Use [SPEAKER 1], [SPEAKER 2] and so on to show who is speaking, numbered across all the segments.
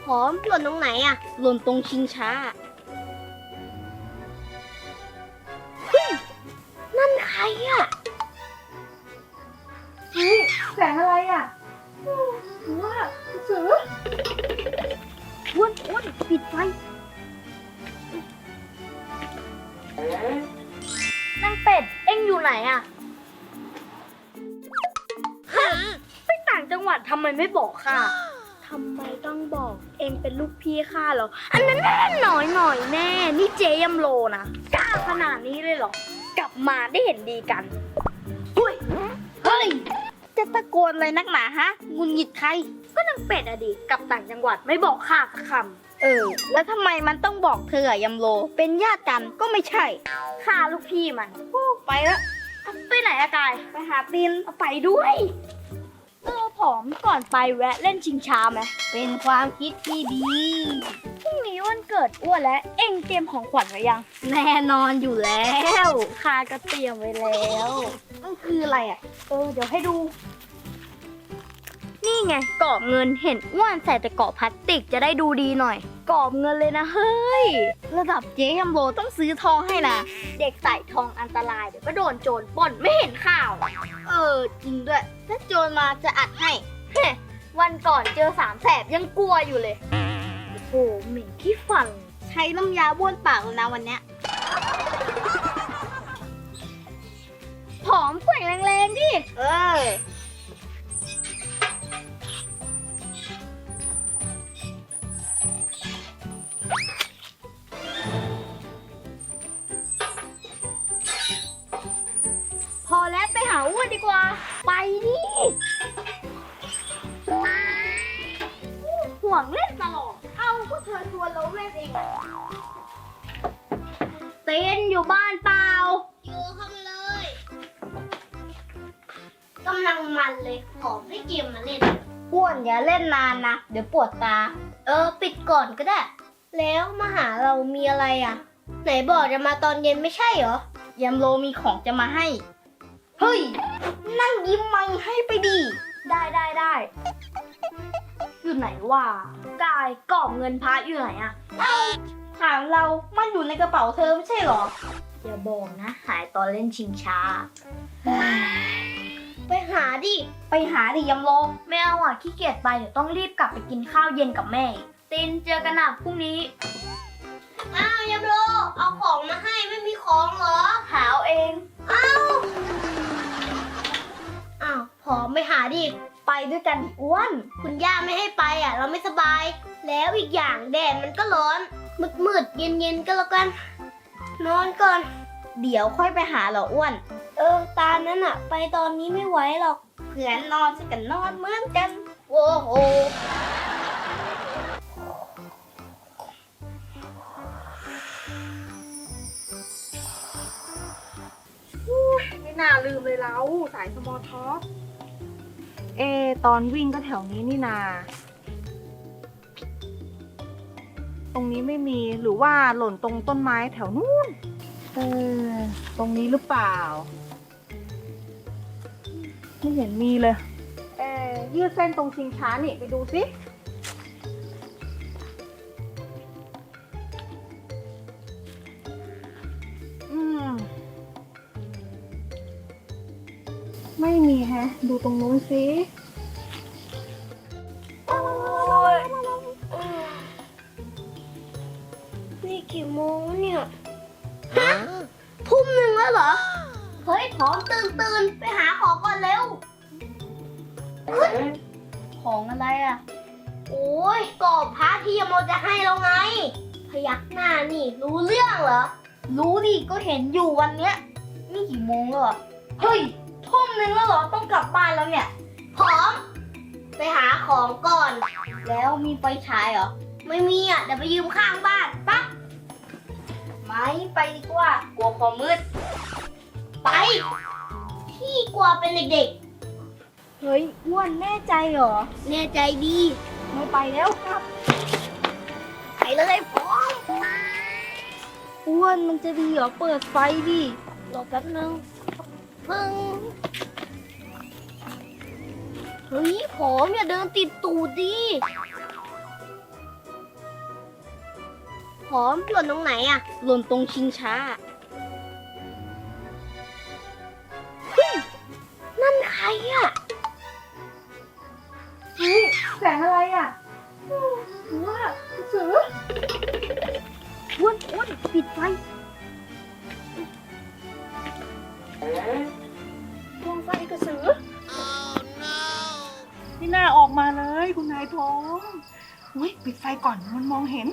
[SPEAKER 1] ผอมหล่นตรงไหนอะหล่นตรงชิงช้านั่นใครอะ
[SPEAKER 2] แสงอะไรอ่ะว่าเสือ
[SPEAKER 1] อ้วนปิดไฟนางเป็ดเอ็งอยู่ไหนอะไปต่างจังหวัดทำไมไม่บอกข้าทำไมต้องบอกเอ็งเป็นลูกพี่ข้าเหรออันนั้นหน่อยแน่นี่เจยำโลนะกล้าขนาดนี้เลยเหรอกลับมาได้เห็นดีกันเฮ้ยจะตะโกนอะไรนักหนาฮะงุนหงิดใครก็นางเป็ดอะดิกลับต่างจังหวัดไม่บอกข้าสักคำแล้วทำไมมันต้องบอกเธออะยำโลเป็นญาติกันก็ไม่ใช่ข้าลูกพี่มันไปแล้วไปไหนอะกายไปหาตีนเอาไปด้วยผอมก่อนไปแวะเล่นชิงช้าไหมเป็นความคิดที่ดีพรุ่งนี้วันเกิดอ้วนและเอ็งเตรียมของขวัญไว้ยังแน่นอนอยู่แล้วข้าก็เตรียมไว้แล้วมันคืออะไรอ่ะเดี๋ยวให้ดูนี่ไงกรอบเงินเห็นอ้วนใส่แต่กรอบพลาสติกจะได้ดูดีหน่อยกรอบเงินเลยนะเฮ้ยระดับเจ๊ยัมโบต้องซื้อทองให้นะเด็กใส่ทองอันตรายเดี๋ยวก็โดนโจรปล้นไม่เห็นข่าวจริงด้วยถ้าโจรมาจะอัดให้วันก่อนเจอสามแสบยังกลัวอยู่เลยโอ้โหเหม็นขี้ฟันใช้น้ำยาบ้วนปากแล้วนะวันเนี้ยผอมแกว่งแรงๆดิพอแล้วไปหาอ้วนดีกว่าไปดิห่วงเล่นตลอดเอาก็เธอชวนเราเล่นเองเต้นอยู่บ้านเปล่าอยู่เข้ามาเลยกำลังมันเลยขอให้เกมมาเล่นอ้วนอย่าเล่นนานนะเดี๋ยวปวดตาปิดก่อนก็ได้แล้วมาหาเรามีอะไรอ่ะไหนบอกจะมาตอนเย็นไม่ใช่เหรอยามโลมีของจะมาให้เฮ้ยนั่งยิ้มไม่ให้ไปดีได้อยู่ไหนวะกายกรอบเงินพระอยู่ไหนอะถามเรามันอยู่ในกระเป๋าเธอไม่ใช่หรออย่าบอกนะหายตอนเล่นชิงช้าไปหาดิยำโลไม่เอาอ่ะขี้เกียจไปเดี๋ยวต้องรีบกลับไปกินข้าวเย็นกับแม่ตินเจอกันนะพรุ่งนี้อ้าวยำโลเอาของมาให้ไม่มีของเหรอหาเอาเองอ้าวผอมไปหาดิไปด้วยกันอ้วนคุณย่าไม่ให้ไปอ่ะเราไม่สบายแล้วอีกอย่างแดดมันก็ร้อนมืดเย็นก็แล้วกันนอนก่อนเดี๋ยวค่อยไปหาเหรออ้วนตานั้นอ่ะไปตอนนี้ไม่ไหวหรอกเผื่อนอนจะกันนอนเหมือนกันโอ้โห
[SPEAKER 2] ไม่น่าลืมเลยเราสายสมอลท็อปตอนวิ่งก็แถวนี้นี่นาตรงนี้ไม่มีหรือว่าหล่นตรงต้นไม้แถวนู้นตรงนี้หรือเปล่าไม่เห็นมีเลยยืดเส้นตรงชิงช้านี่ไปดูสิไม่มีแฮะดูตรงนู้นสิ
[SPEAKER 1] นี่กี่โมงเนี่ยทุ่มหนึ่งแล้วเหรอเฮ้ยผอมตื่นไปหาของก่อนเร็วของอะไรอ่ะโอ้ยกรอบพระที่ยมโมจะให้เราไงพยักหน้านี่รู้เรื่องเหรอรู้ดิก็เห็นอยู่วันเนี้ยนี่กี่โมงแล้วเหรอเฮ้ยทุ่มหนึ่งแล้วเหรอต้องกลับบ้านแล้วเนี่ยผอมไปหาของก่อนแล้วมีไฟฉายเหรอไม่มีอ่ะเดี๋ยวไปยืมข้างบ้านปะไม่ไปดีกว่ากลัวความมืดไปพี่กลัวเป็นเด็กๆเฮ้ยอ้วนแน่ใจเหรอแน่ใจดีไม่ไปแล้วครับไปเลยพร้อมอ้วนมันจะดีเหรอเปิดไฟดิรอแป๊บนึงพึ่งเฮ้ยผอมอย่าเดินติดตูดดิหอมหล่นตรงไหนอะหล่นตรงชิงช้าเฮ้ยนั่นใครอะเฮ้ย
[SPEAKER 2] แสงอะไรอ่ะหรือว่ากระสือ
[SPEAKER 1] อ้วนปิดไฟดวงไฟกระสือ
[SPEAKER 2] นี่น่าออกมาเลยคุณนายทองอุ้ยปิดไฟก่อนมันมองเห็น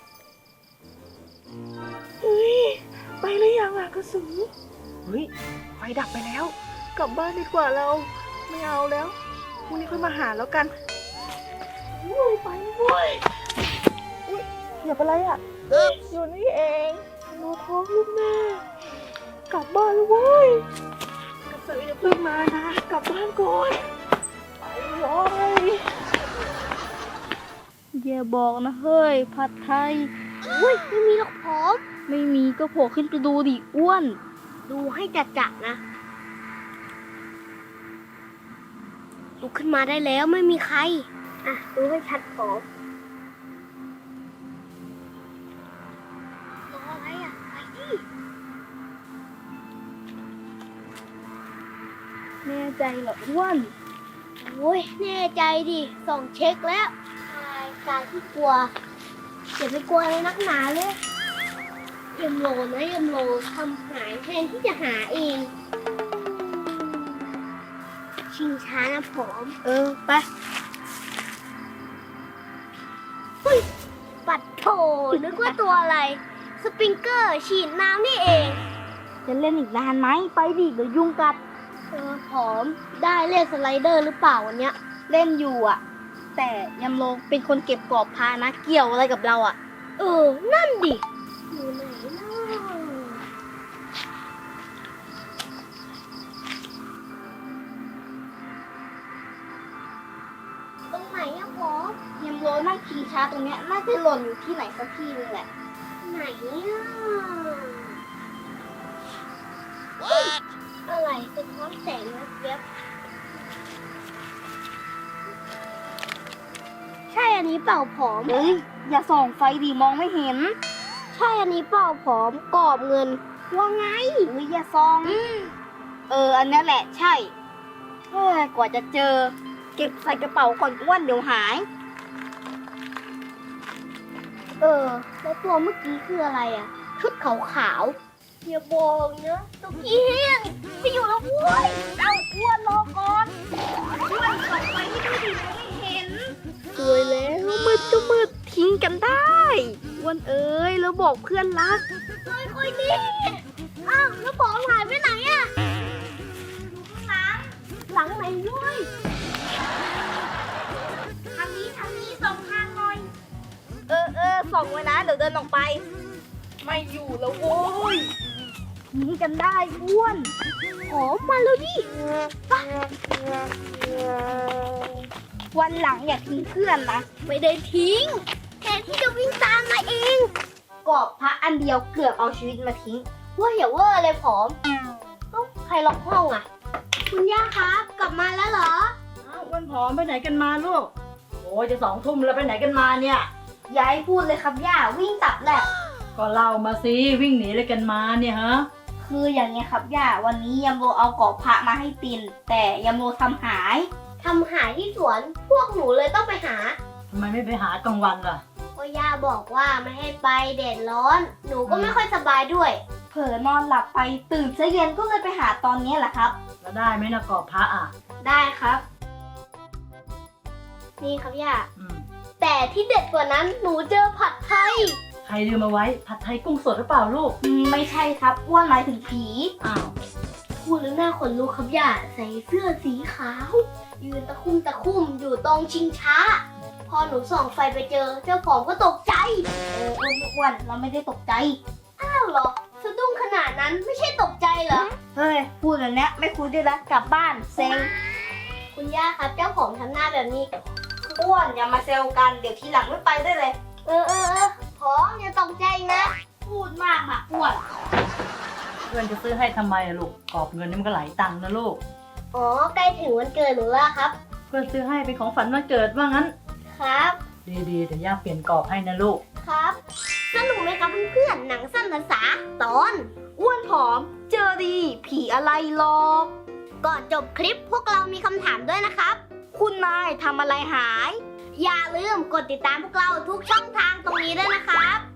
[SPEAKER 2] อุ้ยไปหรือยังอ่ะกระสือเฮ้ยไฟดับไปแล้ว กลับบ้านดีกว่าเราไม่เอาแล้วพรุ่งนี้ค่อยมาหาแล้วกันอุ้ยไปเว้ยอุ้ยเหยียบอะไรอ่ะอยู่นี่เองหนูท้องลูกแม่กลับบ้านแล้วเว้ยกระสืออย่าเพิ่งมานะกลับบ้านก่อนไปเลย
[SPEAKER 1] อย่าบอกนะเฮ้ยผัดไทยอุ้ยไม่มีหรอกพร้อมไม่มีก็โผล่ขึ้นไปดูดิอ้วนดูให้จัดๆนะลุกขึ้นมาได้แล้วไม่มีใครอ่ะดูให้ชัดพร้อมรออะไรอ่ะไปดิแน่ใจเหรออ้วนโอ้ยแน่ใจดิส่องเช็คแล้วการที่กลัวอย่าไปกลัวเลยนักหนาเลยยมโลนะยมโลทำหายแทนที่จะหาเองชิงช้านะผมไปเฮ้ยปัดโถนึกว่าตัวอะไรสปริงเกอร์ฉีดน้ำนี่เองจะเล่นอีกนานไหมไปดิเดี๋ยวยุงกัดผอมได้เล่นสไลเดอร์หรือเปล่าวันเนี้ยเล่นอยู่อ่ะแต่ยำโลเป็นคนเก็บกรอบพานะเกี่ยวอะไรกับเราอ่ะนั่นดิอยู่ไหนนะตรงไหนอะพอยำโลนั่งชิงช้าตรงเนี้ยน่าจะหล่นอยู่ที่ไหนสักที่นึงแหละไหนอะอะไรสะท้อนแสงนะเว็บใช่อันนี้เปล่าผอมเฮ้ยอย่าส่องไฟดิมองไม่เห็นใช่อันนี้เปล่าผอมกรอบเงินว่าไงเฮ้ยอย่าส่องอันนี้แหละใช่กว่าจะเจอเก็บใส่กระเป๋าก่อนอ้วนเดี๋ยวหายแล้วตัวเมื่อกี้คืออะไรอ่ะชุดขาวๆอย่าบอกนะตุ๊กกี้ไปอยู่แล้วอ้วนเอาอ้วนรอก่อนอ้วนส่องไฟให้ดูดิไม่เห็น สวยแล้วมืดก็มืดทิ้งกันได้วันเอ้ยแล้วบอกเพื่อนรักค่อยๆดิอ้าวแล้วบอกหายไปไหนอะอยู่ข้างหลังไหนด้วยทางนี้ส่องทางหน่อยส่องไว้นะเดี๋ยวเดินออกไปไม่อยู่แล้วโว้ยทิ้งกันได้อ้วนหอมมาแล้วดิไปวันหลังอย่าทิ้งเพื่อนนะไม่ได้ทิ้งแทนที่จะวิ่งตามมาเองกรอบพระอันเดียวเกือบเอาชีวิตมาทิ้งว่าอย่าเวอร์เลยผอมใครล็อกห้องอ่ะคุณย่าครับกลับมาแล้วเหรอ
[SPEAKER 2] อ้วนผอมไปไหนกันมาลูกโอ้ยจะ2 ทุ่มแล้วไปไหนกันมาเนี่ย
[SPEAKER 1] อย่าให้พูดเลยครับย่าวิ่งตับแหละ
[SPEAKER 2] ก็เล่ามาสิวิ่งหนีอะไรกันมาเนี่ยฮะ
[SPEAKER 1] คืออย่างเงี้ยครับย่าวันนี้ยำโรเอากรอบพระมาให้ตินแต่ยำโรทำหายที่สวนพวกหนูเลยต้องไปหา
[SPEAKER 2] ทำไมไม่ไปหากลางวันล่ะ
[SPEAKER 1] ก็ย่าบอกว่าไม่ให้ไปแดดร้อน หนูก็ไม่ค่อยสบายด้วย เผลอนอนหลับไปตื่นเช้าเย็นก็เลยไปหาตอนนี้แหละครับ
[SPEAKER 2] แล้วได้ไหมนะกรอบพระอ่ะ
[SPEAKER 1] ได้ครับ นี่ครับย่า
[SPEAKER 2] อืม
[SPEAKER 1] แต่ที่เด็ดกว่านั้นหนูเจอผัดไทย
[SPEAKER 2] ใครลืมมาไว้ผัดไทยกุ้งสดหรือเปล่าลูก
[SPEAKER 1] ไม่ใช่ครับอ้วนหมายถึงผี
[SPEAKER 2] อ้าว
[SPEAKER 1] พูดแล้วหน้าขนลุกครับย่าใส่เสื้อสีขาวยืนตะคุ่มอยู่ตรงชิงช้า พอหนูส่องไฟไปเจอเจ้าของก็ตกใจอ้วนเราไม่ได้ตกใจอ้าวเหรอสะดุ้งขนาดนั้นไม่ใช่ตกใจเหรอเฮ้ยพูดแบบนี้ไม่คุยด้วยละกลับบ้านเซ็งคุณย่าครับเจ้าของทำหน้าแบบนี้อ้วนอย่ามาเซลกันเดี๋ยวทีหลังไม่ไปได้เลยพร้อมอย่าตกใจนะ พูดมากค่ะอ้วน
[SPEAKER 2] เพื่อนจะซื้อให้ทำไมอะลูกกรอบเงินนี่มันก็หลายตังค์นะลูก
[SPEAKER 1] อ๋อใกล้ถึงวันเกิดหนูแล้วครับ
[SPEAKER 2] เพื่อนซื้อให้เป็นของฝันวันเกิดว่างั้น
[SPEAKER 1] ครับ
[SPEAKER 2] ดีๆเดี๋ยวย่าเปลี่ยนกรอบให้นะลูก
[SPEAKER 1] ครับ
[SPEAKER 3] สนุกไหมครับเพื่อนๆหนังสั้นภาษาตอนอ้วนผอมเจอดีผีอะไรหลอกก่อนจบคลิปพวกเรามีคำถามด้วยนะครับ คุณนายทำอะไรหาย อย่าลืมกดติดตามพวกเราทุกช่องทางตรงนี้ด้วยนะครับ